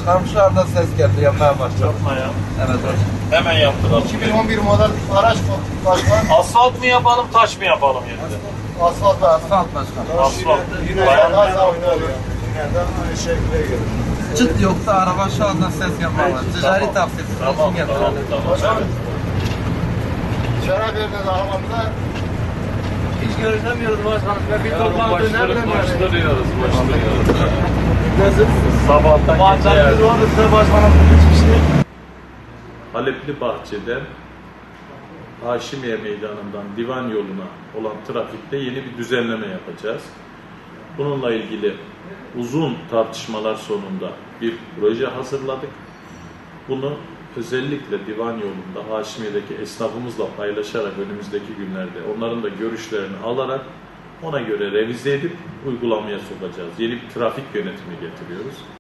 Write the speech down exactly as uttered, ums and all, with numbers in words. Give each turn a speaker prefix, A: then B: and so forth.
A: Başkanım şu anda ses geldi, yapmaya başladı.
B: Yapma ya.
A: Evet hocam.
B: Hemen yaptıralım.
C: iki bin on bir model araç başkan.
B: Asfalt mı yapalım, taş mı yapalım yerinde?
C: Asfalt ve
A: Asfalt başkanım.
B: Asfalt.
C: Yine
B: Bayan
C: daha sağ oynuyor. Yine de aynı şekilde gelir.
A: Çıt yoksa araba şu anda ses yapmaya başladı. Ticari tavsiyesi
B: Tamam,
A: olsun
B: tamam,
A: getirelim.
B: tamam.
C: Başkanım.
B: Evet.
C: Şeref verdiniz arabamıza.
D: Hiç görüşemiyoruz başkanım. Ve bir toplantı
B: Başlıyoruz,
D: nereden
B: başlıyoruz, başlıyoruz.
D: Nasılsınız?
B: Sabahtan gece
D: Bahçemiz
B: yardım.
D: vardı size başkanım. Hiçbir şey.
E: Halepli Bahçe'den Haşimiye Meydanı'ndan Divan yoluna olan trafikte yeni bir düzenleme yapacağız. Bununla ilgili uzun tartışmalar sonunda bir proje hazırladık. Bunu özellikle Divan yolunda Haşimiye'deki esnafımızla paylaşarak önümüzdeki günlerde onların da görüşlerini alarak ona göre revize edip uygulamaya sokacağız. Yeni bir trafik yönetimi getiriyoruz.